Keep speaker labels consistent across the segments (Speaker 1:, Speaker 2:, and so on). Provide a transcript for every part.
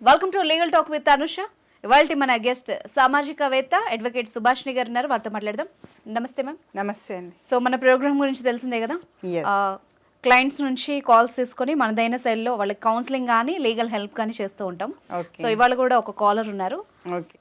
Speaker 1: Welcome to legal talk with Anusha. ఇవాళ మన guest సామాజికవేత్త advocate Subhashini గారు ఉన్నారు, వారితో మాట్లాడదాం. నమస్తే మ్యామ్.
Speaker 2: నమస్తే అండి.
Speaker 1: సో మన ప్రోగ్రామ్ గురించి తెలిసిందే కదా,
Speaker 2: Yes.
Speaker 1: క్లయింట్స్ నుంచి కాల్స్ తీసుకొని మనదైన శైలిలో వాళ్ళకి కౌన్సిలింగ్ కానీ లీగల్ హెల్ప్ కానీ చేస్తూ ఉంటాం.
Speaker 2: Okay.
Speaker 1: సో ఇవాళ కూడా ఒక కాలర్ ఉన్నారు.
Speaker 2: ఓకే.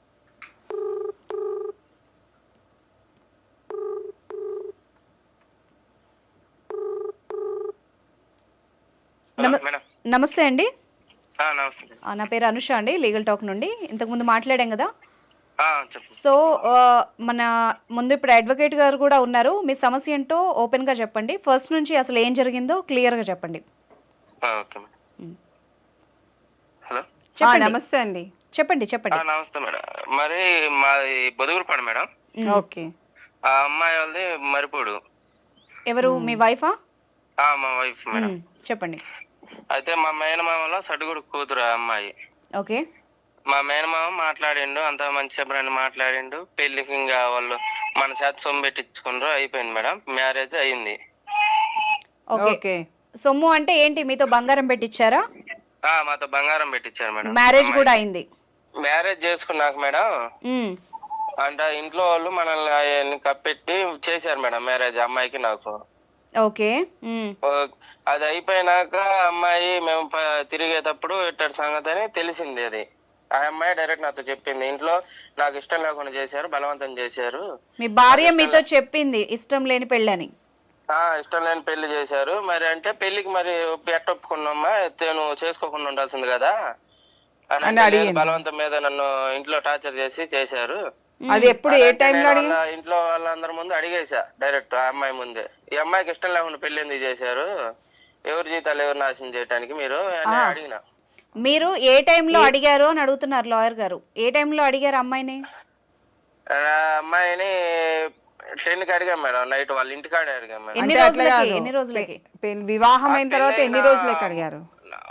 Speaker 1: నమస్తే అండి.
Speaker 3: నమస్తే.
Speaker 1: నా పేరు అనుష అండి, లీగల్ టాక్ నుండి. ఇంతకుముందు మాట్లాడాం కదా.
Speaker 3: చెప్పు.
Speaker 1: సో మన ముందు ఇప్పుడు అడ్వకేట్ గారు కూడా ఉన్నారు. మీ సమస్య ఏంటో ఓపెన్గా చెప్పండి. ఫస్ట్ నుంచి అసలు ఏం జరిగిందో క్లియర్గా చెప్పండి.
Speaker 3: Okay madam. హలో.
Speaker 1: చెప్పండి.
Speaker 2: నమస్తే అండి.
Speaker 1: చెప్పండి చెప్పండి.
Speaker 3: నమస్తే మేడం. మరి మాది బొదుగురుపాడు మేడం.
Speaker 2: ఓకే.
Speaker 3: ఆ అమ్మాయి వాళ్ళది మరిపూడు.
Speaker 1: ఎవరు, మీ వైఫా?
Speaker 3: మా వైఫ్ మేడం.
Speaker 1: చెప్పండి.
Speaker 3: అయితే మా మేనమామలో సడుగుడు కూతురు ఆ అమ్మాయి.
Speaker 1: ఓకే.
Speaker 3: మా మేనమామ మాట్లాడిండు, అంత మంచి చెప్పని మాట్లాడిండు. పెళ్లికి ఇంకా వాళ్ళు మన చేత సొమ్ము పెట్టించుకున్నారు, అయిపోయింది మేడం. మ్యారేజ్ అయింది.
Speaker 1: ఓకే. సొమ్ము అంటే ఏంటి, మీతో బంగారం పెట్టించారా?
Speaker 3: మాతో బంగారం పెట్టించారు మేడం.
Speaker 1: మ్యారేజ్ కూడా అయింది?
Speaker 3: మ్యారేజ్ చేసుకున్నాక మేడం అంటే ఇంట్లో వాళ్ళు మనల్ని కప్పెట్టి చేశారు మేడం మ్యారేజ్ అమ్మాయికి నాకు.
Speaker 1: ఓకే.
Speaker 3: అది అయిపోయినాక అమ్మాయి మేము తిరిగేటప్పుడు ఇట్టడి సంగతి అని తెలిసింది. అది ఆ అమ్మాయి డైరెక్ట్ నాతో చెప్పింది, ఇంట్లో నాకు ఇష్టం లేకుండా చేశారు, బలవంతం చేశారు.
Speaker 1: మీ భార్య మీతో చెప్పింది ఇష్టం లేని పెళ్ళని?
Speaker 3: ఇష్టం లేని పెళ్లి చేశారు. మరి అంటే పెళ్లికి మరి ఒప్పుకున్నామ్మా, నువ్వు చేసుకోకుండా ఉండాల్సింది కదా అని బలవంతం మీద నన్ను ఇంట్లో టార్చర్ చేసి చేశారు.
Speaker 2: అది ఎప్పుడు, ఏ టైంలో
Speaker 3: ఇంట్లో వాళ్ళందరి ముందు అడిగేసా డైరెక్ట్ ఆ అమ్మాయి ముందే, ఈ అమ్మాయికి ఇష్టం లేకుండా పెళ్లి ఎందుకు చేశారు, ఎవరి జీతాలు ఎవరు నాశనం చేయడానికి మీరు అని అడిగిన.
Speaker 1: మీరు ఏ టైంలో అడిగారు అని అడుగుతున్నారు లాయర్ గారు. ఏ టైంలో అడిగారు అమ్మాయిని?
Speaker 3: అమ్మాయిని 10కి అడిగాం మేడం, నైట్ వాళ్ళ ఇంటికాడ అడిగాం మేడం.
Speaker 1: ఎన్ని రోజులకి
Speaker 2: వివాహం అయిన తర్వాత ఎన్ని రోజులకి అడిగారు?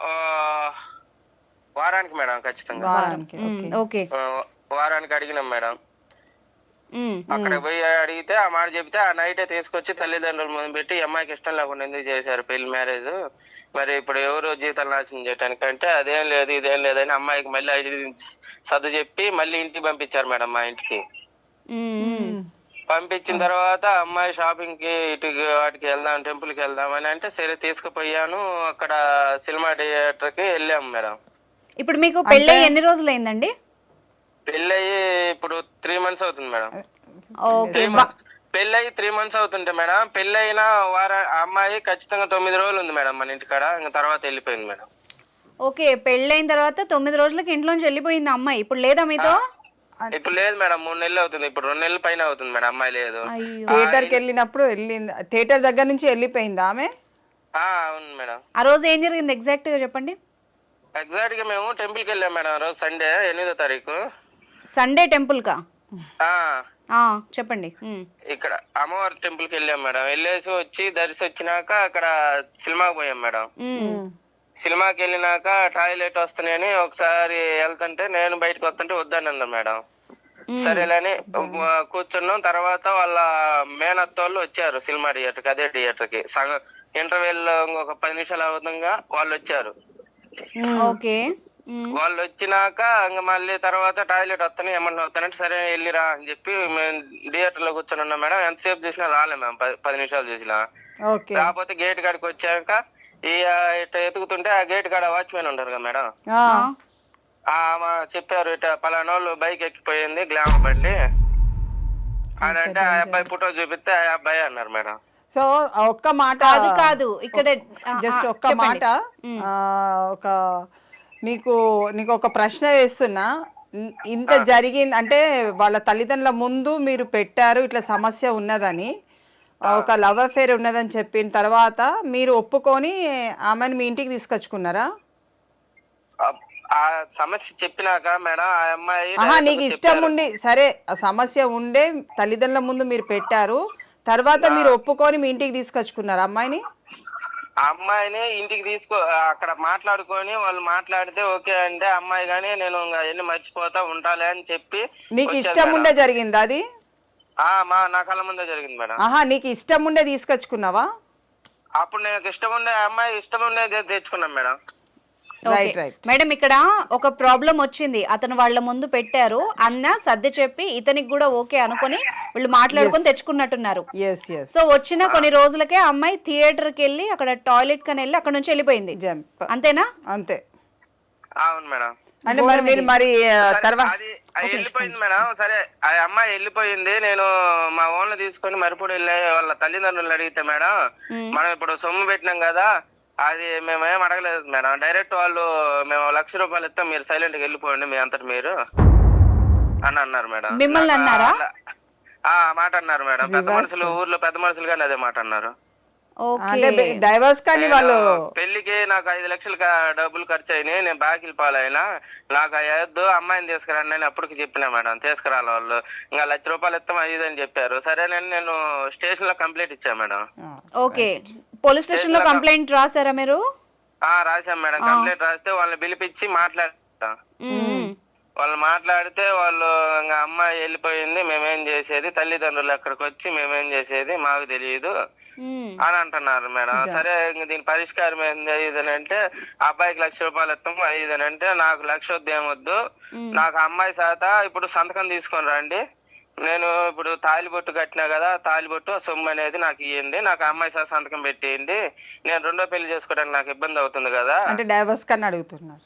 Speaker 3: వారానికి మేడం, ఖచ్చితంగా వారానికి అడిగినాం మేడం. అక్కడ పోయి అడిగితే ఆ మాట చెప్తే ఆ నైటే తీసుకొచ్చి తల్లిదండ్రుల ముందు పెట్టి అమ్మాయికి ఇష్టం లేకుండా ఎందుకు చేశారు పెళ్లి మ్యారేజ్, మరి ఇప్పుడు ఎవరు జీతాలు నాశనం చేయడానికి అంటే అదేం లేదు ఇదేం లేదని అమ్మాయికి మళ్ళీ సర్దు చెప్పి మళ్ళీ ఇంటికి పంపించారు మేడం. మా ఇంటికి పంపించిన తర్వాత అమ్మాయి షాపింగ్ కి ఇటు వాటికి వెళ్దాం, టెంపుల్ కి వెళ్దాం అని అంటే సరే తీసుకుపోయాను. అక్కడ సినిమా థియేటర్ కి వెళ్ళాము మేడం.
Speaker 1: ఇప్పుడు మీకు పెళ్ళి ఎన్ని రోజులు అయిందండి?
Speaker 3: పెళ్ళయి ఇప్పుడు 3 months అవుతుంది మేడం. పెళ్ళయి 3 months అవుతుంటే మేడం, పెళ్ళైన అమ్మాయి ఖచ్చితంగా 9 రోజులు ఉంది మేడం మన ఇంటికాడ, ఇంకా తర్వాత వెళ్ళిపోయింది మేడం.
Speaker 1: ఓకే. పెళ్ళైన తర్వాత 9 రోజులకి ఇంట్లోంచి వెళ్ళిపోయింది అమ్మాయి. ఇప్పుడు లేదా మీతో?
Speaker 3: ఇప్పుడు లేదు మేడం, 3 నెలలు అవుతుంది. ఇప్పుడు 2 నెలల పైన అవుతుంది మేడం, అమ్మాయి లేదు.
Speaker 2: థియేటర్ కి వెళ్ళినప్పుడు వెళ్ళింది, థియేటర్ దగ్గర నుంచి వెళ్ళిపోయింది ఆమె?
Speaker 3: అవును మేడం.
Speaker 1: ఆ రోజు ఏం జరిగింది ఎగ్జాక్ట్ గా చెప్పండి.
Speaker 3: ఎగ్జాక్ట్ గా మేము టెంపుల్ కి వెళ్ళాం మేడం, రోజు సండే 8వ తారీఖు.
Speaker 1: సండే టెంపుల్ కా? చెప్పండి.
Speaker 3: ఇక్కడ అమ్మవారి టెంపుల్ కి వెళ్ళాం మేడం. వెళ్ళేసి వచ్చి దర్శి వచ్చినాక అక్కడ సినిమాకి పోయాం మేడం. సినిమాకి వెళ్ళినాక టాయిలెట్ వస్తున్నాయని ఒకసారి వెళ్తుంటే నేను బయటకు వస్తుంటే వద్దన్న మేడం. సరేలేని కూర్చున్నాం. తర్వాత వాళ్ళ మేనత్తోళ్ళు వచ్చారు సినిమా థియేటర్కి, అదే థియేటర్ కి సగం ఇంటర్వెల్ ఒక 10 నిమిషాలు అవుతుండగా వాళ్ళు వచ్చారు. వాళ్ళు వచ్చినాక ఇంకా మళ్ళీ తర్వాత టాయిలెట్ వస్తాను ఏమన్నా వస్తానంటే సరే వెళ్ళిరా అని చెప్పి మేము థియేటర్ లో కూర్చొని ఉన్నాం మేడం. ఎంతసేపు చూసినా రాలే మేము, 10 నిమిషాలు చూసినా. కాకపోతే గేట్ కాడికి వచ్చాక ఇట్లా ఎతుకుతుంటే ఆ గేట్ కాడ వాచ్మెన్ ఉంటారు కదా మేడం, చెప్పారు ఇట్లా పలానా వాళ్ళు బైక్ ఎక్కిపోయింది గ్లామర్ బండి అని అంటే ఆ అబ్బాయి ఫోటో చూపిస్తే ఆ అబ్బాయి అన్నారు మేడం.
Speaker 2: సో ఒక్క మాట
Speaker 1: కాదు ఇక్కడ
Speaker 2: జస్ట్ ఒక్క మాట, ఒక నీకు ఒక ప్రశ్న వేస్తున్నా. ఇంత జరిగింది అంటే వాళ్ళ తల్లిదండ్రుల ముందు మీరు పెట్టారు ఇట్లా సమస్య ఉన్నదని, ఒక లవ్ అఫేర్ ఉన్నదని చెప్పిన తర్వాత మీరు ఒప్పుకొని ఆమెను మీ ఇంటికి తీసుకొచ్చుకున్నారా?
Speaker 3: ఆ సమస్య చెప్పినాక మేడం ఆ అమ్మాయి
Speaker 2: నీకు ఇష్టం ఉండి సరే ఆ సమస్య ఉండే తల్లిదండ్రుల ముందు మీరు పెట్టారు, తర్వాత మీరు ఒప్పుకొని మీ ఇంటికి తీసుకొచ్చుకున్నారు అమ్మాయిని?
Speaker 3: అమ్మాయిని ఇంటికి అక్కడ మాట్లాడుకొని వాళ్ళు మాట్లాడితే ఓకే అంటే అమ్మాయి గానీ నేను ఎన్ని మర్చిపోతా ఉంటాలే అని చెప్పి.
Speaker 2: నీకు ఇష్టం ఉండే జరిగిందా అది?
Speaker 3: నా కళ్ళ ముందే జరిగింది మేడం.
Speaker 2: నీకు ఇష్టం ఉండే తీసుకొచ్చుకున్నావా?
Speaker 3: అప్పుడు నాకు ఇష్టం ఉండే అమ్మాయి ఇష్టం ఉండే తెచ్చుకున్నాం మేడం.
Speaker 2: Right right.
Speaker 1: మేడం ఇక్కడ ఒక ప్రాబ్లం వచ్చింది, అతను వాళ్ళ ముందు పెట్టారు, అన్న సర్ది చెప్పి ఇతనికి కూడా ఓకే అనుకొని వీళ్ళు మాట్లాడుకొని తెచ్చుకున్నట్టున్నారు.
Speaker 2: Yes yes.
Speaker 1: సో వచ్చిన కొన్ని రోజులకే ఆ అమ్మాయి థియేటర్కి వెళ్ళి అక్కడ టాయిలెట్ కని వెళ్ళి అక్కడ నుంచి వెళ్ళిపోయింది,
Speaker 2: జంప్
Speaker 1: అంతేనా?
Speaker 2: అంతే.
Speaker 3: అవును మేడం.
Speaker 2: అంటే మరి మీరు మరి తర్వాత
Speaker 3: అది వెళ్ళిపోయింది మేడం. సరే ఆ అమ్మాయి వెళ్ళిపోయింది, నేను మా ఓన్లు తీసుకొని మరిపూడి వెళ్ళి వాళ్ళ తల్లిదండ్రులు అడిగితే మేడం, మనం ఇప్పుడు సొమ్ము పెట్టినాం కదా, అది మేమేం అడగలేదు మేడం. డైరెక్ట్ వాళ్ళు మేము ₹1,00,000 ఇస్తాం, మీరు సైలెంట్ గా వెళ్ళిపోండి మీ అంతటి మీరు అని అన్నారు మేడం.
Speaker 1: మిమ్మల్ని అన్నారా?
Speaker 3: ఆ మాట అన్నారు మేడం. పెద్ద మనుషులు, ఊర్లో పెద్ద మనుషులు కానీ అదే మాట అన్నారు.
Speaker 2: అంటే డైవర్స్ కానీ వాళ్ళు
Speaker 3: పెళ్లికి నాకు 5 లక్షలు డబ్బులు ఖర్చు అయినాయి, నేను బాకీలు పాలైనా, నాకు అయ్యొద్దు, అమ్మాయిని తీసుకురండి అని అప్పటికి చెప్పినా మేడం. తీసుకురాలి వాళ్ళు, ఇంకా ₹1,00,000 ఇస్తాం అది అని చెప్పారు. సరేనని నేను స్టేషన్ లో కంప్లైంట్ ఇచ్చా మేడం.
Speaker 1: ఓకే, పోలీస్ స్టేషన్ లో కంప్లైంట్ రాసారా మీరు?
Speaker 3: రాశాం మేడం. కంప్లైంట్ రాస్తే వాళ్ళని పిలిపించి మాట్లాడతా, వాళ్ళు మాట్లాడితే వాళ్ళు ఇంకా అమ్మాయి వెళ్ళిపోయింది, మేమేం చేసేది, తల్లిదండ్రులు ఎక్కడికి వచ్చి మేమేం చేసేది మాకు తెలియదు అని అంటున్నారు మేడం. సరే ఇంక దీని పరిష్కారం ఏంది ఇదని అంటే, అబ్బాయికి ₹1,00,000 ఇస్తాము ఇదని అంటే, నాకు 1,00,000 వద్దు ఏమొద్దు, నాకు అమ్మాయి శాత ఇప్పుడు సంతకం తీసుకొని రండి, నేను ఇప్పుడు తాలిబొట్టు కట్టినా కదా, తాలిబొట్టు సొమ్ము అనేది నాకు ఇవ్వండి, నాకు అమ్మాయి శాత సంతకం పెట్టేయండి, నేను రెండో పెళ్లి చేసుకోవడానికి నాకు ఇబ్బంది అవుతుంది కదా
Speaker 2: అంటే డైవర్స్ కన్నా అడుగుతున్నారు.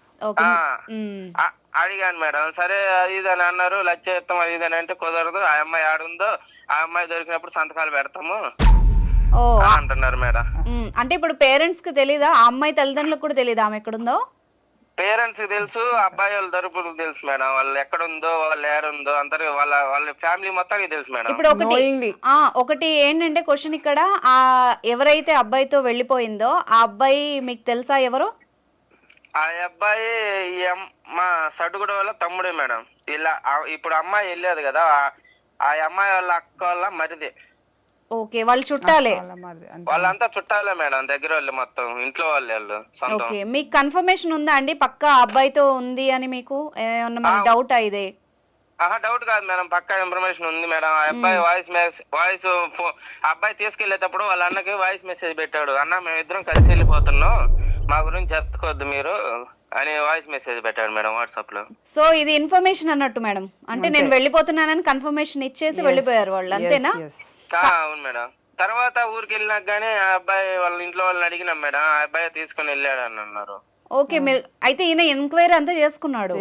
Speaker 3: అడిగాను మేడం. సరే అది ఇది అని అన్నారు, 1,00,000 ఇస్తాం అది ఇది అని అంటే కుదరదు, ఆ అమ్మాయి ఆడుందో ఆ అమ్మాయి దొరికినప్పుడు సంతకాలు పెడతాము అంటున్నారు మేడం.
Speaker 1: అంటే ఇప్పుడు పేరెంట్స్ కి తెలీదా, ఆ అమ్మాయి తల్లిదండ్రులకు కూడా తెలీదా ఆమె ఎక్కడుందో?
Speaker 3: పేరెంట్స్ కి తెలుసు, అబ్బాయి వాళ్ళ తరపున తెలుసు మేడం, వాళ్ళు ఎక్కడుందో వాళ్ళు ఏడుందో అందరు వాళ్ళ ఫ్యామిలీ మొత్తానికి తెలుసు మేడం.
Speaker 1: ఇప్పుడు ఒకటి ఏంటంటే క్వశ్చన్ ఇక్కడ, ఆ ఎవరైతే అబ్బాయితో వెళ్ళిపోయిందో ఆ అబ్బాయి మీకు తెలుసా ఎవరు?
Speaker 3: ఆ అబ్బాయి మా సడుగుడ వాళ్ళ తమ్ముడే మేడం. ఇలా ఇప్పుడు అమ్మాయి వెళ్ళేది కదా, ఆ అమ్మాయి వాళ్ళ అక్క వాళ్ళ మరిది.
Speaker 1: ఓకే, వాళ్ళు చుట్టాలే?
Speaker 3: వాళ్ళంతా చుట్టాలే మేడం, దగ్గర వాళ్ళు మొత్తం ఇంట్లో వాళ్ళు సొంతం.
Speaker 1: ఓకే, మీకు కన్ఫర్మేషన్ ఉందా అండి పక్కా అబ్బాయితో ఉంది అని? మీకు ఏమన్నా డౌట్ అయితే?
Speaker 3: డౌట్ కాదు మేడం, పక్కా ఇన్ఫర్మేషన్ ఉంది మేడం. ఆ అబ్బాయి వాయిస్ అబ్బాయి తీసుకెళ్లేటప్పుడు వాళ్ళ అన్నకి వాయిస్ మెసేజ్ పెట్టాడు, అన్న మేమిద్దరం కలిసి వెళ్ళిపోతున్నాం, మా గురించి చెప్పుకోవద్దు మీరు అని వాయిస్ మెసేజ్ పెట్టాడు మేడం వాట్సాప్ లో.
Speaker 1: సో ఇది ఇన్ఫర్మేషన్ అన్నట్టు మేడం, అంటే నేను వెళ్ళిపోతున్నానని కన్ఫర్మేషన్ ఇచ్చేసి వెళ్ళిపోయారు వాళ్ళు, అంతేనా?
Speaker 3: అవును మేడం. తర్వాత ఊరికి వెళ్ళినాక గానీ ఆ అబ్బాయి వాళ్ళ ఇంట్లో వాళ్ళని అడిగినాం మేడం, ఆ అబ్బాయి తీసుకుని వెళ్ళాడు అని అన్నారు.
Speaker 1: ఓకే, మీరు అయితే ఈయన ఎంక్వైరీ అంతా చేసుకున్నాడు?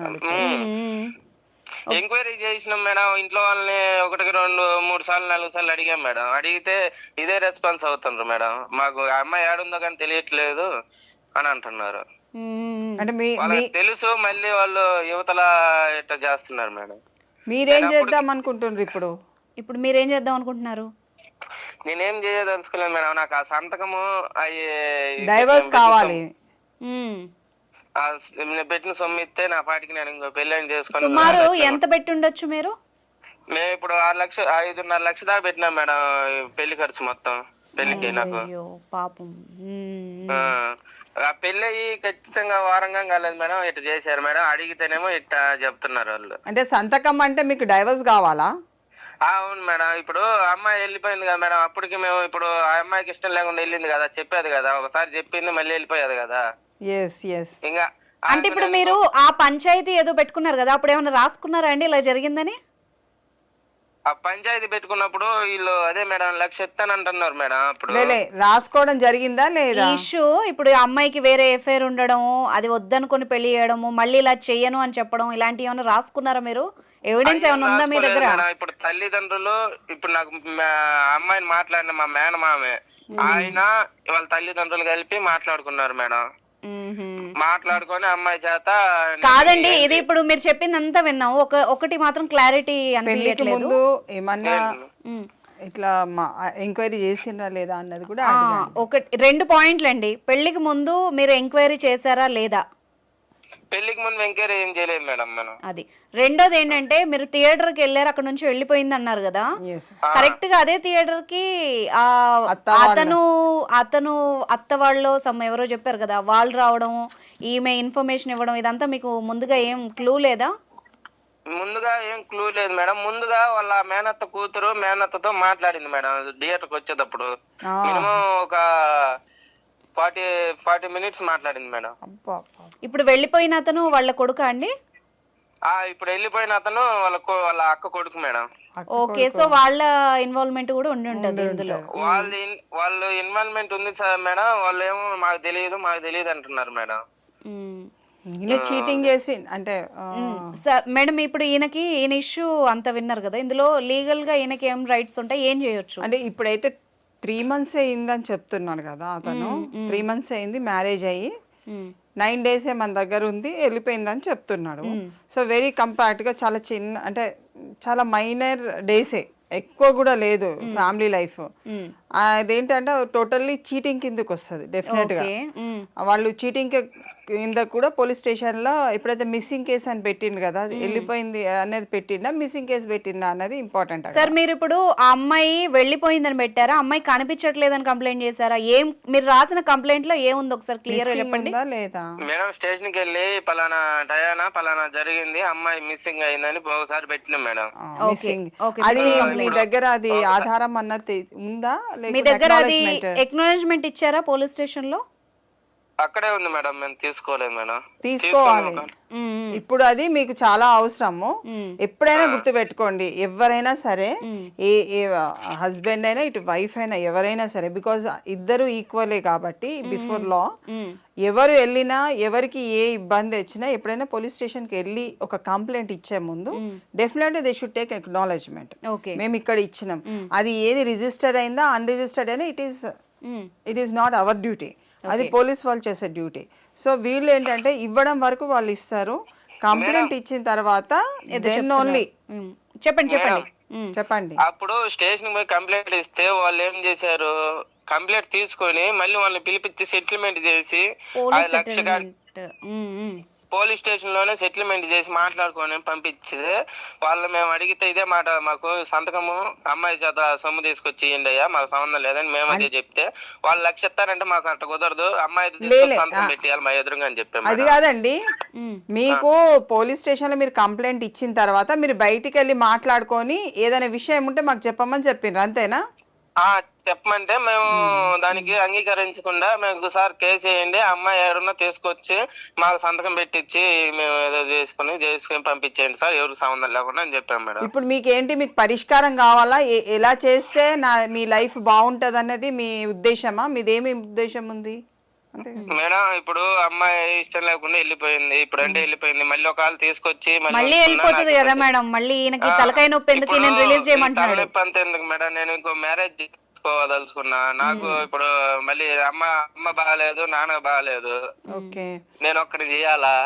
Speaker 3: ఎంక్వైరీ చేసినాం మేడం. ఇంట్లో వాళ్ళని 1, 2, 3 సార్లు 4 సార్లు అడిగాం మేడం. అడిగితే ఇదే రెస్పాన్స్ అవుతుండ్రు మేడం, మాకు ఆ అమ్మాయి ఏడుందో కానీ తెలియట్లేదు అని అంటున్నారు.
Speaker 2: అంటే
Speaker 3: వాళ్ళకి తెలుసు, మళ్ళీ వాళ్ళు యువతల ఇట్లా చేస్తున్నారు మేడం.
Speaker 2: మీరేం చేద్దాం అనుకుంటున్నారు ఇప్పుడు?
Speaker 1: ఇప్పుడు మీరేం చేద్దాం అనుకుంటున్నారు?
Speaker 3: నేనేం చేయదలుచుకోలేదు మేడం, నాకు ఆ సంతకము
Speaker 2: డైవర్స్ కావాలి.
Speaker 3: పెట్టిన సొమ్ము ఇస్తే నా పాటికి నేను ఇంకో పెళ్ళని చేసుకుని.
Speaker 1: సుమారు ఎంత పెట్టి ఉండొచ్చు మీరు?
Speaker 3: మేము ఇప్పుడు 5.5 లక్షలు దాకా పెట్టినాం మేడం పెళ్లి ఖర్చు మొత్తం పెళ్లికి నాకు.
Speaker 1: పాపం.
Speaker 3: ఆ పెళ్లి ఖచ్చితంగా వారంగా కాలేదు మేడం, ఇట్లా చేశారు మేడం. అడిగితేనేమో ఇట్లా చెప్తున్నారు వాళ్ళు.
Speaker 2: అంటే సంతకం అంటే మీకు డైవర్స్ కావాలా?
Speaker 3: అవును మేడం. ఇప్పుడు అమ్మాయి వెళ్ళిపోయింది కదా మేడం, అప్పటికి మేము ఇప్పుడు ఆ అమ్మాయికి ఇష్టం లేకుండా వెళ్ళింది కదా, చెప్పేది కదా, ఒకసారి చెప్పింది మళ్ళీ వెళ్ళిపోయేది కదా. ఇంకా
Speaker 1: అంటే ఇప్పుడు మీరు ఆ పంచాయతీ ఏదో పెట్టుకున్నారు కదా, అప్పుడు ఏమైనా రాసుకున్నారా అండి ఇలా జరిగిందని?
Speaker 3: ఆ పంచాయతీ పెట్టుకున్నప్పుడు వీళ్ళు అదే మేడం 1,00,000 ఇస్తానంటున్నారు మేడం. అప్పుడు
Speaker 2: రాసుకోవడం జరిగిందా లేదా
Speaker 1: ఇష్యూ? ఇప్పుడు అమ్మాయికి వేరే ఎఫైర్ ఉండడం, అది వద్దనుకొని పెళ్లి చేయడము, మళ్ళీ ఇలా చెయ్యను అని చెప్పడం, ఇలాంటివి ఏమైనా రాసుకున్నారా మీరు? ఎవిడెన్స్ ఏమైనా ఉందా మీ దగ్గర?
Speaker 3: ఇప్పుడు తల్లిదండ్రులు, ఇప్పుడు నాకు అమ్మాయిని మాట్లాడిన మా మేనమామే ఆయన వాళ్ళ తల్లిదండ్రులు కలిపి మాట్లాడుకున్నారు మేడం. మాట్లాడుకొని అమ్మాయి చేత.
Speaker 1: కాదండి, ఇది ఇప్పుడు మీరు చెప్పింది అంతా విన్నాం, ఒకటి మాత్రం క్లారిటీ అనిపించట్లేదు.
Speaker 2: ఏమన్నా ఇట్లా ఎంక్వైరీ చేసిందా లేదా అన్నది కూడా.
Speaker 1: 2 పాయింట్లు అండి, పెళ్లికి ముందు మీరు ఎంక్వైరీ చేశారా లేదా?
Speaker 3: పెళ్లికి ముందు ఎంక్వైరీ ఏం చేయలేదు మేడం మనం.
Speaker 1: అది. రెండోది ఏంటంటే మీరు థియేటర్ కి వెళ్ళారు, అక్కడ నుంచి వెళ్ళిపోయింది అన్నారు కదా, కరెక్ట్ గా అదే థియేటర్ కి అతను అత్త వాళ్ళు ఎవరో చెప్పారు కదా, వాళ్ళు రావడం, ఈమె ఇన్ఫర్మేషన్ ఇవ్వడం, ఇదంతా మీకు ముందుగా ఏం క్లూ లేదా?
Speaker 3: ముందుగా ఏం క్లూ లేదు మేడం. ముందుగా వాళ్ళ మేనత్త కూతురు మేనత్తతో మాట్లాడింది మేడం థియేటర్కి వచ్చేటప్పుడు. మినిమం ఒక 40 మినిట్స్ మాట్లాడింది మేడం.
Speaker 2: అబ్బా అబ్బా.
Speaker 1: ఇప్పుడు వెళ్ళిపోయిన అతను వాళ్ళ కొడుకా అండి?
Speaker 3: ఇప్పుడు వెళ్ళిపోయిన అతను వాళ్ళ అక్క కొడుకు మేడం.
Speaker 1: ఓకే, సో వాళ్ళ ఇన్వాల్వ్మెంట్ కూడా ఉండి ఉంటది ఇందులో.
Speaker 3: వాళ్ళు ఇన్వాల్వ్మెంట్ ఉంది సార్ మేడం. వాళ్ళు ఏమో మాకు తెలియదు అంటున్నారు మేడం.
Speaker 2: ఈయన చీటింగ్ చేసి అంటే
Speaker 1: సార్ మేడం, ఇప్పుడు ఈయన ఇష్యూ అంత విన్నారు కదా, ఇందులో లీగల్ గా ఈయనకి ఏం రైట్స్ ఉంటాయి, ఏం చేయొచ్చు?
Speaker 2: అంటే ఇప్పుడైతే 3 months అయిందని చెప్తున్నాడు కదా అతను. 3 months అయింది మ్యారేజ్ అయ్యి, 9 days మన దగ్గర ఉంది, వెళ్ళిపోయిందని చెప్తున్నాడు. సో వెరీ కంపాక్ట్గా చాలా చిన్న, అంటే చాలా మైనర్ డేసే, ఎక్కువ కూడా లేదు ఫ్యామిలీ లైఫ్. అదేంటంటే టోటల్లీ చీటింగ్ కిందకి వస్తుంది డెఫినెట్గా. వాళ్ళు చీటింగ్ కింద కూడా పోలీస్ స్టేషన్లో ఎప్పుడైతే మిస్సింగ్ కేసు అని పెట్టిండు కదా, అది వెళ్ళిపోయింది అనేది పెట్టిండా, మిస్సింగ్ కేసు పెట్టిండా అన్నది ఇంపార్టెంట్.
Speaker 1: సార్ మీరు ఇప్పుడు ఆ అమ్మాయి వెళ్ళిపోయిందని పెట్టారా, అమ్మాయి కనిపించట్లేదని కంప్లైంట్ చేశారా? ఏం మీరు రాసిన కంప్లైంట్ లో ఏముంది ఒకసారి క్లియర్ గా చెప్పండి.
Speaker 2: లేదా
Speaker 3: మేడం స్టేషన్ కి వెళ్ళి పలానా డయానా పలానా జరిగింది, అమ్మాయి మిస్సింగ్ అయిందని ఒకసారి పెట్టినాం మేడం.
Speaker 2: మిస్సింగ్ అది మీ దగ్గర అది ఆధారం అన్నది ఉందా?
Speaker 1: మీ దగ్గర అది ఎక్నాలెడ్జ్మెంట్ ఇచ్చారా పోలీస్ స్టేషన్ లో?
Speaker 3: అక్కడే ఉంది మేడం, మేము తీసుకోలేదు మేడం.
Speaker 2: తీసుకోవాలి. ఇప్పుడు అది మీకు చాలా అవసరము. ఎప్పుడైనా గుర్తు పెట్టుకోండి, ఎవరైనా సరే, ఏ హస్బెండ్ అయినా ఇటు వైఫ్ అయినా ఎవరైనా సరే, బికాజ్ ఇద్దరు ఈక్వలే కాబట్టి బిఫోర్ లా. ఎవరు వెళ్ళినా ఎవరికి ఏ ఇబ్బంది వచ్చినా ఎప్పుడైనా పోలీస్ స్టేషన్కి వెళ్ళి ఒక కంప్లైంట్ ఇచ్చే ముందు definitely they should take acknowledgement. మేము ఇక్కడ ఇచ్చినాం, అది ఏది రిజిస్టర్డ్ అయిందా అన్రిజిస్టర్డ్ అయినా it is not our duty, అది పోలీస్ వాళ్ళు చేసే డ్యూటీ. సో వీళ్ళు ఏంటంటే ఇవ్వడం వరకు వాళ్ళు ఇస్తారు, కంప్లైంట్ ఇచ్చిన తర్వాత దెన్ ఓన్లీ. చెప్పండి.
Speaker 3: అప్పుడు స్టేషన్ పోయి కంప్లైంట్ ఇస్తే వాళ్ళు ఏం చేశారు, కంప్లైంట్ తీసుకొని మళ్ళీ వాళ్ళని పిలిపించి సెటిల్మెంట్ చేసి 5 లక్షలు పోలీస్ స్టేషన్ లోనే సెటిల్మెంట్ చేసి మాట్లాడుకొని పంపించితే, వాళ్ళు మేము అడిగితే ఇదే మాట, మాకు సంతకము అమ్మాయి చేత సొమ్ము తీసుకొచ్చి ఇయ్యండి అయ్యా, మాకు సంబంధం లేదని మేము అదే చెప్తే, వాళ్ళు 1 లక్ష ఇస్తారంటే మాకు అట్ట కుదరదు, అమ్మాయి సంతకం పెట్టేయాలి మా ఎదురుగా అని చెప్పాము.
Speaker 2: అది కాదండి, మీకు పోలీస్ స్టేషన్ లో మీరు కంప్లైంట్ ఇచ్చిన తర్వాత మీరు బయటికి వెళ్ళి మాట్లాడుకొని ఏదైనా విషయం ఉంటే మాకు చెప్పమని చెప్పిండ్రు, అంతేనా?
Speaker 3: చెప్పమంటే మేము దానికి అంగీకరించకుండా మేము సార్ కేసు వేయండి, అమ్మాయి ఎవరన్నా తీసుకొచ్చి మాకు సంతకం పెట్టించి మేము ఏదో చేసుకుని పంపించేయండి సార్, ఎవరికి సంబంధం లేకుండా అని చెప్పాం మేడం.
Speaker 2: ఇప్పుడు మీకు ఏంటి, మీకు పరిష్కారం కావాలా, ఎలా చేస్తే మీ లైఫ్ బాగుంటది అన్నది మీ ఉద్దేశమా? మీదేమి ఉద్దేశం ఉంది?
Speaker 3: మేడం ఇప్పుడు అమ్మాయి ఇష్టం లేకుండా వెళ్ళిపోయింది, ఇప్పుడు అంటే వెళ్ళిపోయింది, మళ్ళీ ఒకవేళ తీసుకొచ్చి
Speaker 1: మళ్ళీ వెళ్ళిపోతుంది కదా మేడం, మళ్ళీ ఈయనకి తలకాయ నొప్పి ఎందుకు, నేను రిలీజ్ చేయమంటున్నాడు.
Speaker 3: తలనొప్పి అంత ఎందుకు మేడం, నేను ఇంకో మ్యారేజ్ చేసుకోదలుచుకున్నా, నాకు ఇప్పుడు మళ్ళీ అమ్మ బాగాలేదు, నాన్న బాగాలేదు, నేను ఒక్కడి చేయాలా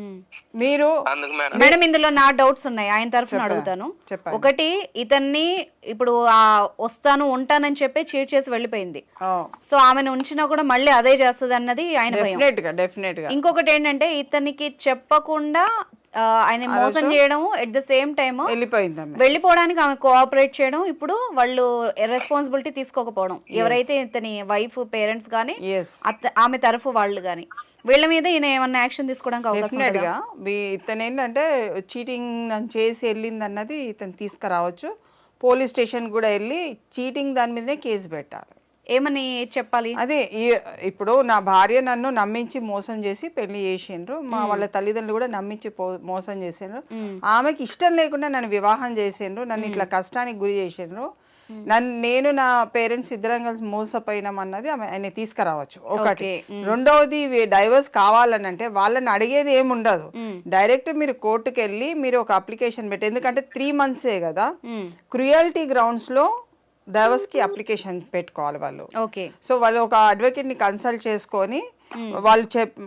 Speaker 2: మీరు?
Speaker 1: మేడం ఇందులో నా డౌట్స్ ఉన్నాయి, ఆయన తరఫున అడుగుతాను. ఒకటి, ఇతన్ని ఇప్పుడు వస్తాను ఉంటానని చెప్పి చీట్ చేసి వెళ్ళిపోయింది, సో ఆమెను ఉంచినా కూడా మళ్ళీ అదే చేస్తుంది అన్నది ఆయన భయం. ఇంకొకటి ఏంటంటే ఇతనికి చెప్పకుండా ఆయన మోసం చేయడం, ఎట్ ద సేమ్ టైమ్ వెళ్ళిపోవడానికి ఆమె కోఆపరేట్ చేయడం, ఇప్పుడు వాళ్ళు రెస్పాన్సిబిలిటీ తీసుకోకపోవడం, ఎవరైతే ఇతని వైఫ్ పేరెంట్స్ గానీ ఆమె తరఫు వాళ్ళు గానీ, వీళ్ళ మీద ఈయన ఏమన్నా యాక్షన్ తీసుకోవడానికి అవకాశం
Speaker 2: డెఫినెట్గా. ఇతను ఏంటంటే చీటింగ్ చేసి వెళ్ళింది అన్నది ఇతను తీసుకురావచ్చు, పోలీస్ స్టేషన్ కూడా వెళ్ళి చీటింగ్ దాని మీదనే కేసు పెట్టాలి.
Speaker 1: ఏమని చెప్పాలి?
Speaker 2: అదే ఇప్పుడు నా భార్య నన్ను నమ్మించి మోసం చేసి పెళ్లి చేసిండ్రు, మా వాళ్ళ తల్లిదండ్రులు కూడా నమ్మించి మోసం చేసిండ్రు, ఆమెకి ఇష్టం లేకుండా నన్ను వివాహం చేసిండ్రు, నన్ను ఇట్లా కష్టానికి గురి చేసిండ్రు, నేను నా పేరెంట్స్ ఇద్దరం కలిసి మోసపోయినాం అన్నది ఆయన తీసుకురావచ్చు ఒకటి. రెండవది డైవర్స్ కావాలని అంటే వాళ్ళని అడిగేది ఏముండదు, డైరెక్ట్ మీరు కోర్టుకు వెళ్ళి మీరు ఒక అప్లికేషన్ పెట్టి, ఎందుకంటే 3 months కదా, క్రుయాలిటీ గ్రౌండ్స్ లో డైవర్స్ కి అప్లికేషన్ పెట్టుకోవాలి వాళ్ళు. సో వాళ్ళు ఒక అడ్వకేట్ ని కన్సల్ట్ చేసుకొని వాళ్ళు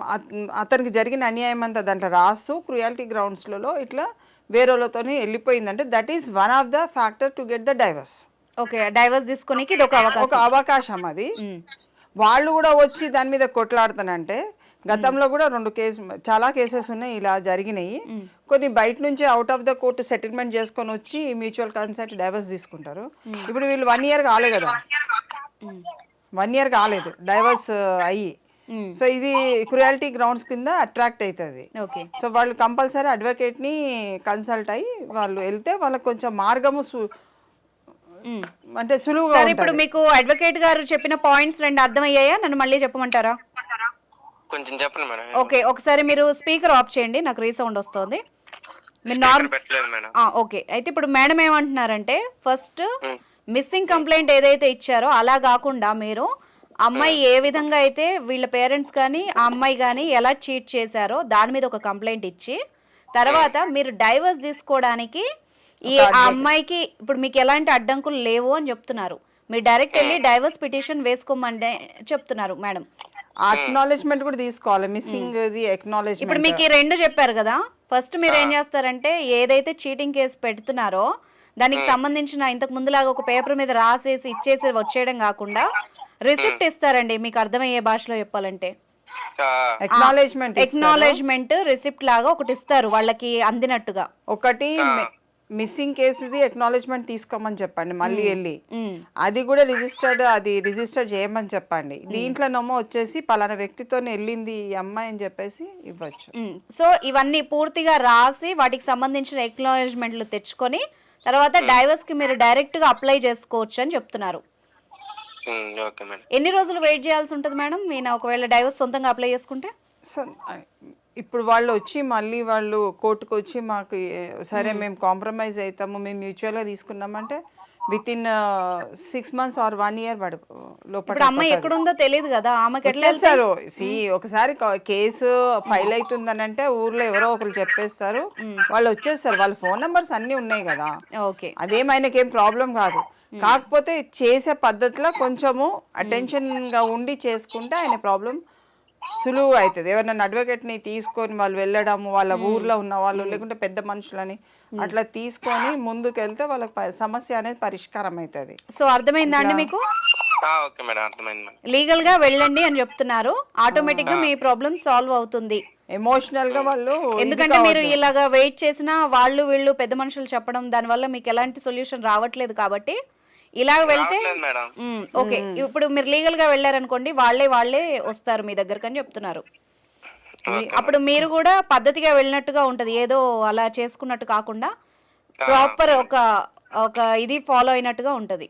Speaker 2: అతనికి జరిగిన అన్యాయం అంతా దాంట్లో రాస్తూ క్రుయాలిటీ గ్రౌండ్స్ లలో ఇట్లా వేరేలతో వెళ్ళిపోయిందంటే that is one of the factor to get the divorce.
Speaker 1: Divorce తీసుకోనికి ఇది ఒక
Speaker 2: అవకాశం. అది వాళ్ళు కూడా వచ్చి దాని మీద కొట్లాడుతానంటే, గతంలో కూడా చాలా కేసెస్ ఉన్నాయి ఇలా జరిగినాయి. కొన్ని బయట నుంచి out of the court settlement చేసుకొని వచ్చి మ్యూచువల్ కన్సెంట్ డైవర్స్ తీసుకుంటారు. ఇప్పుడు వీళ్ళు 1 year కాలే కదా, 1 year కాలేదు డైవర్స్ అయ్యి. సో ఇది క్రుయాలిటీ గ్రౌండ్స్ కింద అట్రాక్ట్ అవుతుంది. సో వాళ్ళు కంపల్సరీ అడ్వకేట్ ని కన్సల్ట్ అయ్యి వాళ్ళు వెళ్తే వాళ్ళకి కొంచెం మార్గము అంటే సులువుగా
Speaker 1: సరే, ఇప్పుడు మీకు అడ్వకేట్ గారు చెప్పిన పాయింట్స్ రెండు అర్థమయ్యాయా? నన్ను మళ్ళీ చెప్పమంటారా?
Speaker 3: కొంచెం చెప్పండి మేడం.
Speaker 1: ఓకే, ఒకసారి మీరు స్పీకర్ ఆఫ్ చేయండి, నాకు రీసౌండ్ వస్తుంది. మీరు
Speaker 3: స్పీకర్ పెట్టలేదు మేడం.
Speaker 1: ఓకే, అయితే ఇప్పుడు మేడం ఏమంటున్నారంటే ఫస్ట్
Speaker 3: ఉమ్,
Speaker 1: మిస్సింగ్ కంప్లైంట్ ఏదైతే ఇచ్చారో అలా కాకుండా మీరు అమ్మాయి ఏ విధంగా అయితే వీళ్ళ పేరెంట్స్ కానీ ఆ అమ్మాయి కానీ ఎలా చీట్ చేశారో దాని మీద ఒక కంప్లైంట్ ఇచ్చి తర్వాత మీరు డైవర్స్ తీసుకోవడానికి ఆ అమ్మాయికి ఇప్పుడు మీకు ఎలాంటి అడ్డంకులు లేవు అని చెప్తున్నారు. మీరు డైరెక్ట్ వెళ్ళి డైవర్స్ పిటిషన్ వేసుకోమని చెప్తున్నారు మేడం.
Speaker 2: అక్నాలెడ్జ్మెంట్ కూడా తీసుకోవాలి, మిస్సింగ్ ది
Speaker 1: ఇప్పుడు
Speaker 2: అక్నాలెడ్జ్మెంట్.
Speaker 1: మీకు ఈ రెండు చెప్పారు కదా, ఫస్ట్ మీరు ఏం చేస్తారంటే ఏదైతే చీటింగ్ కేసు పెడుతున్నారో దానికి సంబంధించిన ఇంతకు ముందులాగా ఒక పేపర్ మీద రాసేసి ఇచ్చేసి వచ్చేయడం కాకుండా రిసిప్ట్ ఇస్తారండి, మీకు అర్థమయ్యే భాషలో చెప్పాలంటే ఎక్నాలెడ్జ్మెంట్ రిసిప్ట్ లాగా ఒకటి ఇస్తారు వాళ్ళకి అందినట్టుగా.
Speaker 2: ఒకటి మిస్సింగ్ కేసుది ఎక్నాలెడ్జ్మెంట్ తీసుకోమని చెప్పండి, మళ్ళీ వెళ్ళి అది కూడా రిజిస్టర్ చేయమని చెప్పండి. దీంట్లోనేమో వచ్చేసి పలానా వ్యక్తితో వెళ్ళింది ఈ అమ్మాయి అని చెప్పేసి ఇవ్వచ్చు.
Speaker 1: సో ఇవన్నీ పూర్తిగా రాసి వాటికి సంబంధించిన ఎక్నాలెడ్జ్మెంట్లు తెచ్చుకొని తర్వాత డైవర్స్ కి మీరు డైరెక్ట్ గా అప్లై చేసుకోవచ్చు అని చెప్తున్నారు. ఎన్ని రోజులు వెయిట్ చేయాల్సి ఉంటుంది మేడం నేను ఒకవేళ డైవర్స్ సొంతంగా అప్లై చేసుకుంటే?
Speaker 2: సో ఇప్పుడు వాళ్ళు వచ్చి మళ్ళీ వాళ్ళు కోర్టుకు వచ్చి మాకు సరే మేము కాంప్రమైజ్ అవుతాము, మేము మ్యూచువల్గా తీసుకున్నామంటే within 6 months or 1 year
Speaker 1: ఇప్పుడు అమ్మాయి ఎక్కడుందో తెలియదు కదా, ఆమెకి ఎట్లా
Speaker 2: చేస్తారు. ఒకసారి కేసు ఫైల్ అవుతుందని అంటే ఊర్లో ఎవరో ఒకరు చెప్పేస్తారు, వాళ్ళు వచ్చేస్తారు, వాళ్ళ ఫోన్ నెంబర్స్ అన్ని ఉన్నాయి కదా,
Speaker 1: ఓకే
Speaker 2: అదేమైనాకి ఏం ప్రాబ్లం కాదు. కాకపోతే చేసే పద్ధతిలో కొంచెము అటెన్షన్ గా ఉండి చేసుకుంటే ఆయన ప్రాబ్లం సులువు అవుతుంది. ఎవరైనా అడ్వకేట్ ని తీసుకొని వాళ్ళు వెళ్ళడము, వాళ్ళ ఊర్లో ఉన్న వాళ్ళు లేకుంటే పెద్ద మనుషులని అట్లా తీసుకొని ముందుకు వెళ్తే వాళ్ళకి సమస్య అనేది పరిష్కారం అవుతుంది.
Speaker 1: సో అర్థమైందా అండి మీకు? లీగల్ గా వెళ్ళండి అని చెప్తున్నారు, ఆటోమేటిక్ గా మీ ప్రాబ్లం సాల్వ్ అవుతుంది.
Speaker 2: ఎమోషనల్ గా వాళ్ళు,
Speaker 1: ఎందుకంటే మీరు ఇలాగా వెయిట్ చేసినా వాళ్ళు వీళ్ళు పెద్ద మనుషులు చెప్పడం దాని వల్ల మీకు ఎలాంటి సొల్యూషన్ రావట్లేదు కాబట్టి ఇలా వెళ్తే ఓకే. ఇప్పుడు మీరు లీగల్ గా వెళ్ళారనుకోండి వాళ్ళే వస్తారు మీ దగ్గరకు అని చెప్తున్నారు. అప్పుడు మీరు కూడా పద్ధతిగా వెళ్ళినట్టుగా ఉంటది, ఏదో అలా చేసుకున్నట్టు కాకుండా ప్రాపర్ ఒక ఇది ఫాలో అయినట్టుగా ఉంటది.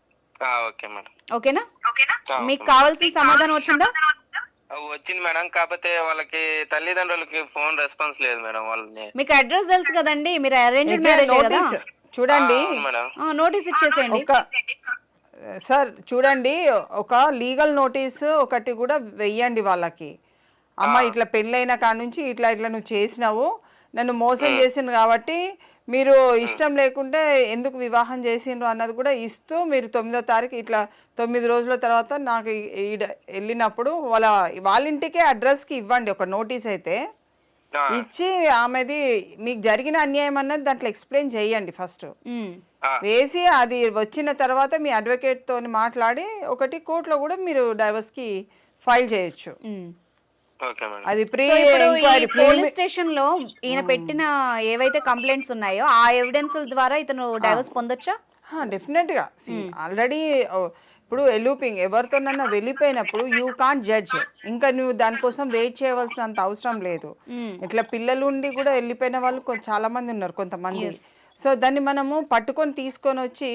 Speaker 1: ఓకేనా? మీకు కావాల్సిన సమాధానం వచ్చిందా?
Speaker 3: వచ్చింది మేడం, కాకపోతే వాళ్ళకి తల్లిదండ్రులకి ఫోన్ రెస్పాన్స్ లేదు మేడం. వాళ్ళని మీకు
Speaker 1: అడ్రస్ తెలుసు కదండి, మీరు అరేంజ్డ్ మ్యారేజ్ కదా,
Speaker 2: చూడండి
Speaker 1: నోటీస్ ఇచ్చేసేయండి.
Speaker 2: సార్ చూడండి, ఒక లీగల్ నోటీస్ ఒకటి కూడా వెయ్యండి వాళ్ళకి. అమ్మ ఇట్లా పెళ్ళైన కాడ నుంచి ఇట్లా నువ్వు చేసినావు, నన్ను మోసం చేసిండ్రు కాబట్టి మీరు ఇష్టం లేకుంటే ఎందుకు వివాహం చేసిండ్రు అన్నది కూడా ఇస్తూ మీరు 9వ తారీఖు ఇట్లా 9 రోజుల తర్వాత నాకు వెళ్ళినప్పుడు వాళ్ళ ఇంటికే అడ్రస్కి ఇవ్వండి ఒక నోటీస్ అయితే ఇచ్చి, ఆమెది మీకు జరిగిన అన్యాయం అన్నది దాంట్లో ఎక్స్ప్లెయిన్ చేయండి ఫస్ట్ వేసి. అది వచ్చిన తర్వాత మీ అడ్వకేట్ తోని మాట్లాడి ఒకటి కోర్టులో కూడా మీరు డైవర్స్ కి ఫైల్ చేయొచ్చు. అది
Speaker 1: పోలీస్ స్టేషన్ లో ఈయన పెట్టిన ఏవైతే కంప్లైంట్స్ ఉన్నాయో ఆ ఎవిడెన్స్ ద్వారా ఇతను డైవర్స్ పొందొచ్చా?
Speaker 2: డెఫినెట్ గా. ఆల్రెడీ ఇప్పుడు ఎలూపింగ్ ఎవరితోనన్నా వెళ్ళిపోయినప్పుడు యూ కాంట్ జడ్జ్, ఇంకా నువ్వు దానికోసం వెయిట్ చేయవలసినంత అవసరం లేదు. ఇట్లా పిల్లలు ఉండి కూడా వెళ్ళిపోయిన వాళ్ళు చాలా మంది ఉన్నారు కొంతమంది. సో దాన్ని మనము పట్టుకొని తీసుకొని వచ్చి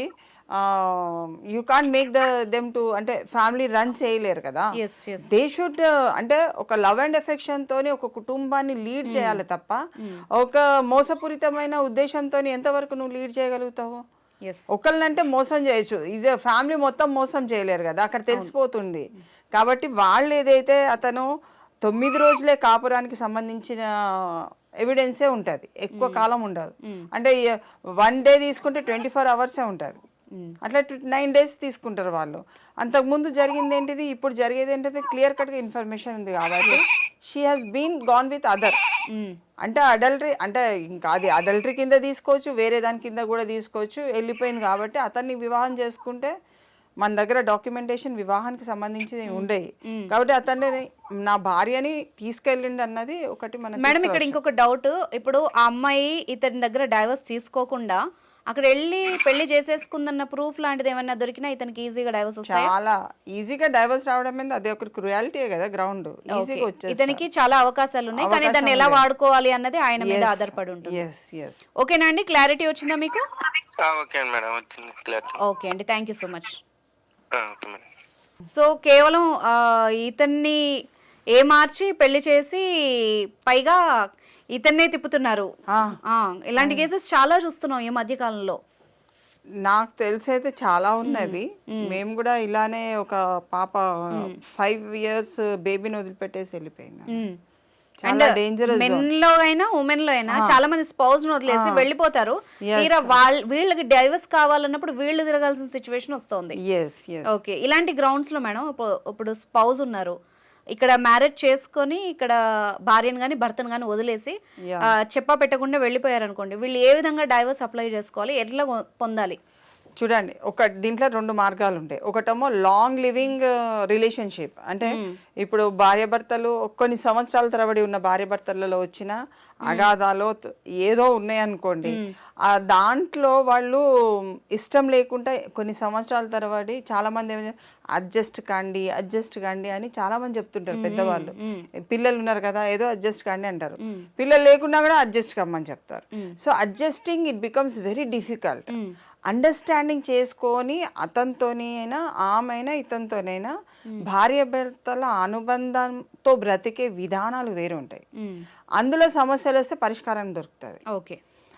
Speaker 2: you can't make them to అంటే ఫ్యామిలీ రన్ చేయలేరు కదా. దే షుడ్ అంటే ఒక లవ్ అండ్ ఎఫెక్షన్ తోని ఒక కుటుంబాన్ని లీడ్ చేయాలి తప్ప ఒక మోసపూరితమైన ఉద్దేశంతో ఎంతవరకు నువ్వు లీడ్ చేయగలుగుతావు? ఒకళ్ళనంటే మోసం చేయొచ్చు, ఇదే ఫ్యామిలీ మొత్తం మోసం చేయలేరు కదా, అక్కడ తెలిసిపోతుంది. కాబట్టి వాళ్ళు ఏదైతే అతను 9 రోజులే కాపురానికి సంబంధించిన ఎవిడెన్సే ఉంటుంది, ఎక్కువ కాలం ఉండదు. అంటే 1 day తీసుకుంటే 24 hours ఉంటుంది, అట్లా 9 days తీసుకుంటారు వాళ్ళు. అంతకుముందు జరిగింది ఏంటిది, ఇప్పుడు జరిగేది ఏంటిది క్లియర్ కట్గా ఇన్ఫర్మేషన్ ఉంది కాబట్టి she has been gone with other. అంటే అడల్టరీ అంటే ఇంకా అది అడల్టరీ కింద తీసుకోవచ్చు, వేరే దాని కింద కూడా తీసుకోవచ్చు. వెళ్ళిపోయింది కాబట్టి అతన్ని వివాహం చేసుకుంటే మన దగ్గర డాక్యుమెంటేషన్ వివాహానికి సంబంధించి ఉండేవి కాబట్టి అతన్ని నా భార్యని తీసుకెళ్ళిండి అన్నది ఒకటి. మన
Speaker 1: మేడం ఇక్కడ ఇంకొక డౌట్, ఇప్పుడు ఆ అమ్మాయి ఇతని దగ్గర డైవర్స్ తీసుకోకుండా అక్కడ వెళ్ళి పెళ్లి చేసేసుకుందన్న ప్రూఫ్ లాంటిది ఏమైనా దొరికినా ఇతనికి ఈజీగా డైవర్స్ వస్తాయి.
Speaker 2: చాలా ఈజీగా డైవర్స్ రావడం మీద అది ఒక క్రుయాలిటీ కదా, గ్రౌండ్ ఈజీగా వచ్చేస్తుంది.
Speaker 1: ఇతనికి చాలా అవకాశాలు ఉన్నాయి, కానీ దాన్ని ఎలా వాడుకోవాలి అన్నది ఆయన మీద ఆధారపడి ఉంటుంది. ఓకేనా అండి, క్లారిటీ వచ్చిందా మీకు?
Speaker 3: ఓకే మేడం, వచ్చింది క్లారిటీ.
Speaker 1: ఓకే అండి, thank you so much.
Speaker 3: Okay madam.
Speaker 1: So కేవలం ఇతన్ని మార్చి పెళ్లి చేసి పైగా ఇతన్నే తిప్పుతున్నారు. ఇలాంటి కేసెస్ చాలా చూస్తున్నాం ఈ మధ్య కాలంలో.
Speaker 2: నాకు తెలిసి అయితే చాలా ఉన్నవి. మేము కూడా ఇలానే ఒక పాప 5 years బేబీని వదిలిపెట్టేసి వెళ్ళిపోయింది. చాలా డేంజరస్.
Speaker 1: మెన్ లో అయినా ఉమెన్ లో అయినా చాలా మంది స్పౌస్ ను వదిలేసి వెళ్ళిపోతారు. తీరా వీళ్ళకి డైవర్స్ కావాలన్నప్పుడు వీళ్ళు తిరగాల్సిన సిచ్యువేషన్ వస్తుంది. ఓకే, ఇలాంటి గ్రౌండ్స్ లో మేడం ఇప్పుడు స్పౌస్ ఉన్నారు, ఇక్కడ మ్యారేజ్ చేసుకొని ఇక్కడ భార్యను కానీ భర్తను కానీ వదిలేసి చెప్పా పెట్టకుండా వెళ్ళిపోయారు అనుకోండి, వీళ్ళు ఏ విధంగా డైవర్స్ అప్లై చేసుకోవాలి, ఎట్లా పొందాలి?
Speaker 2: చూడండి, దీంట్లో 2 మార్గాలు ఉంటాయి. ఒకటేమో లాంగ్ లివింగ్ రిలేషన్షిప్, అంటే ఇప్పుడు భార్యాభర్తలు కొన్ని సంవత్సరాల తరబడి ఉన్న భార్యాభర్తలలో వచ్చిన అగాధాలు ఏదో ఉన్నాయనుకోండి, దాంట్లో వాళ్ళు ఇష్టం లేకుండా కొన్ని సంవత్సరాల తరబడి చాలా మంది అడ్జస్ట్ కండి అని చాలా మంది చెప్తుంటారు పెద్దవాళ్ళు. పిల్లలు ఉన్నారు కదా, ఏదో అడ్జస్ట్ కండి అంటారు, పిల్లలు లేకున్నా కూడా అడ్జస్ట్ కమ్మని చెప్తారు. So adjusting it becomes very difficult. Understanding చేసుకొని అతనితోని అయినా ఆమెనా ఇతనితోనైనా భార్యాభర్తల అనుబంధంతో బ్రతికే విధానాలు వేరు ఉంటాయి. అందులో సమస్యలు వస్తే పరిష్కారం దొరుకుతుంది.
Speaker 1: ఓకే,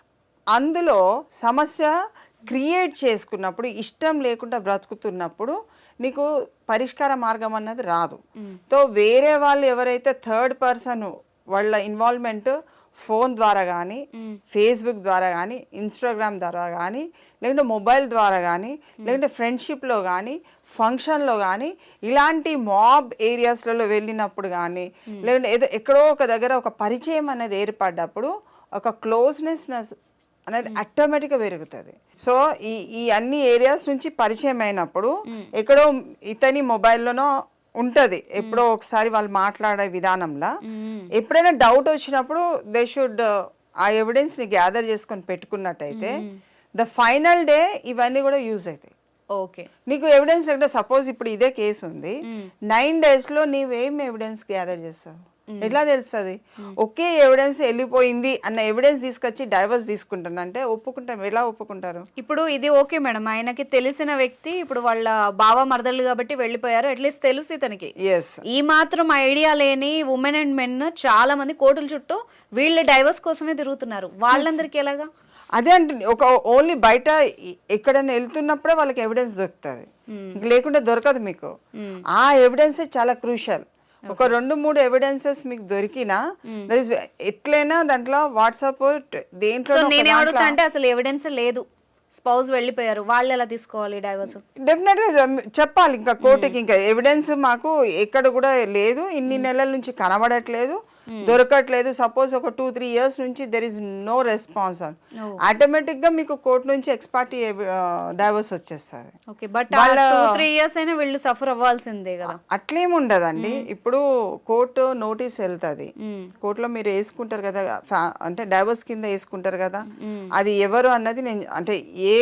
Speaker 2: అందులో సమస్య క్రియేట్ చేసుకున్నప్పుడు, ఇష్టం లేకుండా బ్రతుకుతున్నప్పుడు నీకు పరిష్కార మార్గం అన్నది రాదు. తో వేరే వాళ్ళు ఎవరైతే థర్డ్ పర్సన్ వాళ్ళ ఇన్వాల్వ్మెంట్ ఫోన్ ద్వారా కానీ, ఫేస్బుక్ ద్వారా కానీ, ఇన్స్టాగ్రామ్ ద్వారా కానీ, లేకుంటే మొబైల్ ద్వారా కానీ, లేకుంటే ఫ్రెండ్షిప్లో కానీ, ఫంక్షన్లో కానీ, ఇలాంటి మాబ్ ఏరియాస్లలో వెళ్ళినప్పుడు కానీ, లేకుంటే ఏదో ఎక్కడో ఒక దగ్గర ఒక పరిచయం అనేది ఏర్పడ్డప్పుడు ఒక క్లోజ్నెస్ అనేది ఆటోమేటిక్గా పెరుగుతుంది. సో ఈ అన్ని ఏరియాస్ నుంచి పరిచయం అయినప్పుడు ఎక్కడో ఇతని మొబైల్లోనో ఉంటుంది, ఎప్పుడో ఒకసారి వాళ్ళు మాట్లాడే విధానంలో ఎప్పుడైనా డౌట్ వచ్చినప్పుడు దే షుడ్ ఆ ఎవిడెన్స్ని గ్యాదర్ చేసుకొని పెట్టుకున్నట్టయితే ద ఫైనల్ డే ఇవన్నీ కూడా యూజ్ అవుతాయి.
Speaker 1: ఓకే,
Speaker 2: నీకు ఎవిడెన్స్ లేకుంటే సపోజ్ ఇప్పుడు ఇదే కేసు ఉంది, 9 daysలో నీవేం ఎవిడెన్స్ గ్యాదర్ చేస్తావు? ఎట్లా తెలుస్తుంది? ఒకే ఎవిడెన్స్ వెళ్ళిపోయింది అన్న ఎవిడెన్స్ తీసుకొచ్చి డైవర్స్ తీసుకుంటానంటే ఒప్పుకుంటాం, ఎలా ఒప్పుకుంటారు?
Speaker 1: ఇప్పుడు ఇది ఓకే మేడం, ఆయనకి తెలిసిన వ్యక్తి ఇప్పుడు వాళ్ళ బావ మరదళ్ళు కాబట్టి వెళ్ళిపోయారు, అట్లీస్ట్ తెలుసు ఇతనికి. ఈ మాత్రం ఐడియా లేని ఉమెన్ అండ్ మెన్ చాలా మంది కోర్టుల చుట్టూ వీళ్ళ డైవర్స్ కోసమే తిరుగుతున్నారు. వాళ్ళందరికీ ఎలాగా?
Speaker 2: అదే అంటే ఒక ఓన్లీ బయట ఎక్కడైనా వెళ్తున్నప్పుడే వాళ్ళకి ఎవిడెన్స్ దొరుకుతుంది, లేకుంటే దొరకదు మీకు. ఆ ఎవిడెన్స్ చాలా క్రూషియల్. ఒక 2-3 ఎవిడెన్సెస్ మీకు దొరికినా ఎట్లయినా దాంట్లో వాట్సాప్ దేంట్లో
Speaker 1: అంటే అసలు ఎవిడెన్స్ లేదు, స్పౌస్ వెళ్ళిపోయారు, వాళ్ళు ఎలా తీసుకోవాలి డైవర్స్?
Speaker 2: డెఫినెట్ గా చెప్పాలి ఇంకా కోర్టుకి, ఇంకా ఎవిడెన్స్ మాకు ఎక్కడ కూడా లేదు, ఇన్ని నెలల నుంచి కనబడట్లేదు, దొరకట్లేదు. సపోజ్ ఒక 2-3 years నుంచి there is no response, automatic గా మీకు కోర్టు నుంచి ఎక్స్పార్టీ డైవర్స్ వచ్చేస్తుంది.
Speaker 1: ఓకే, బట్ 2-3 years అయినా వీళ్ళు సఫర్ అవ్వాల్సిందే కదా?
Speaker 2: అట్లేముండదండి. ఇప్పుడు కోర్టు నోటీస్ వెళ్తుంది, కోర్టులో మీరు వేసుకుంటారు కదా, అంటే డైవర్స్ కింద వేసుకుంటారు కదా, అది ఎవరు అన్నది నేను అంటే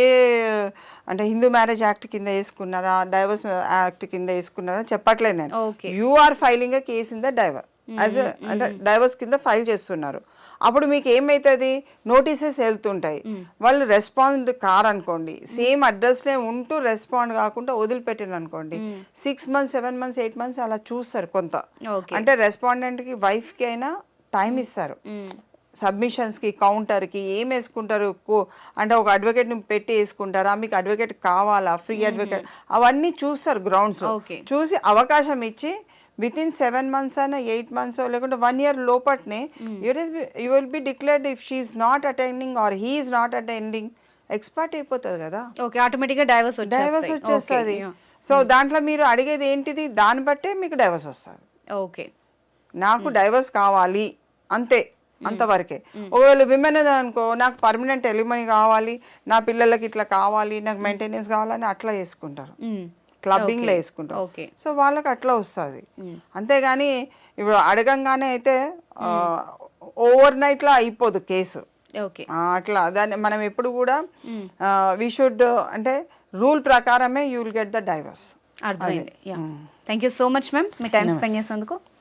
Speaker 2: అంటే హిందూ మ్యారేజ్ యాక్ట్ కింద వేసుకున్నారా, డైవర్స్ యాక్ట్ కింద వేసుకున్నారా చెప్పట్లేదు నేను. You are filing a case in the divorce అంటే డైవర్స్ కింద ఫైల్ చేస్తున్నారు. అప్పుడు మీకు ఏమైతుంది, నోటీసెస్ వెళ్తుంటాయి, వాళ్ళు రెస్పాండ్ కారనుకోండి, సేమ్ అడ్రస్లే ఉంటూ రెస్పాండ్ కాకుండా వదిలిపెట్టిన అనుకోండి, 6 months 7 months 8 months అలా చూస్తారు కొంత. అంటే రెస్పాండెంట్కి వైఫ్కి అయినా టైం ఇస్తారు, సబ్మిషన్స్కి, కౌంటర్కి ఏం వేసుకుంటారు, అంటే ఒక అడ్వకేట్ని పెట్టి వేసుకుంటారా, మీకు అడ్వకేట్ కావాలా, ఫ్రీ అడ్వకేట్, అవన్నీ చూస్తారు గ్రౌండ్స్. చూసి అవకాశం ఇచ్చి విత్ ఇన్ 7 months అయినా 8 months లేకుంటే 1 year లోపట్నే you will be declared if she is not attending or he is not attending, expert అయిపోతుంది కదా,
Speaker 1: ఆటోమేటిక్గా డైవర్స్
Speaker 2: వచ్చేస్తుంది. సో దాంట్లో మీరు అడిగేది ఏంటిది, దాన్ని బట్టే మీకు డైవర్స్ వస్తుంది.
Speaker 1: ఓకే,
Speaker 2: నాకు డైవర్స్ కావాలి అంతే, అంతవరకే. ఒకవేళ విమెన్ అనుకో, నాకు పర్మనెంట్ ఎలిమనీ కావాలి, నా పిల్లలకి ఇట్లా కావాలి, నాకు మెయింటెనెన్స్ కావాలని అట్లా వేసుకుంటారు, క్లబ్బింగ్లో వేసుకుంటారు. సో వాళ్ళకి అట్లా వస్తుంది. అంతేగాని ఇప్పుడు అడగంగానే అయితే ఓవర్ నైట్లో అయిపోదు కేసు.
Speaker 1: ఓకే
Speaker 2: అట్లా దాన్ని మనం ఎప్పుడు కూడా వీ షుడ్ అంటే రూల్ ప్రకారమే you will get the divorce.
Speaker 1: అర్థమైంది. Thank you so much ma'am మీ టైం స్పెండ్ చేసినందుకు.